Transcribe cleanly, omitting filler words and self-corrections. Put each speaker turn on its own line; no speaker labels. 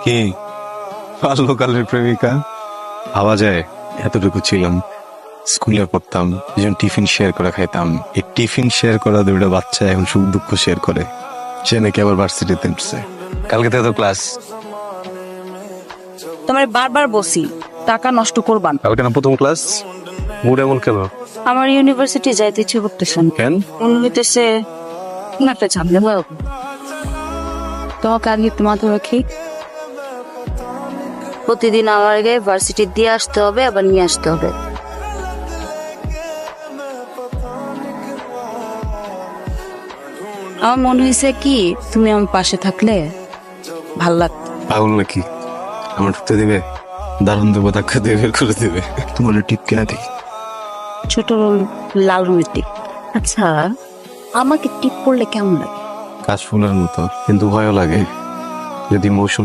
কি বাল্যকালের প্রেমিকা ভাবা যায়? এতটুকু ছিলাম, স্কুলে পড়তাম, দুজন টিফিন শেয়ার করে খাইতাম। এই টিফিন শেয়ার করা দুটো বাচ্চা এখন সুখ দুঃখ শেয়ার করে। সে নাকি আবার ভার্সিটিতে উঠছে। কালকে থেকে তো ক্লাস।
তোমার বারবার বসি টাকা নষ্ট করবান।
কালকে না প্রথম ক্লাস? মুড এমন কেন?
আমার ইউনিভার্সিটি যাইতে ইচ্ছে করতেছে না।
কেন?
মনে হইতেছে কোন একটা ঝামেলা হবে। তোমাকে আগে মাথা রাখি, প্রতিদিন আমার আগে ভার্সিটি দিয়ে আসতে হবে, আবার নিয়ে আসতে হবে। আমার মনে হয়েছে কি তুমি আমার পাশে থাকলে ভাল লাগতো।
পাগল নাকি? আমার ঢুকতে দিবে? দারুণ দেবো, ধাক্কা দিয়ে বের করে দেবে। তোমার টিপ কেনা দিই।
ছোট লাল রঙের টিপ। আচ্ছা, আমাকে টিপ পড়লে কেমন লাগে?
কাশ ফুলের মতো, কিন্তু ভয়ও লাগে। যদি মৌসুম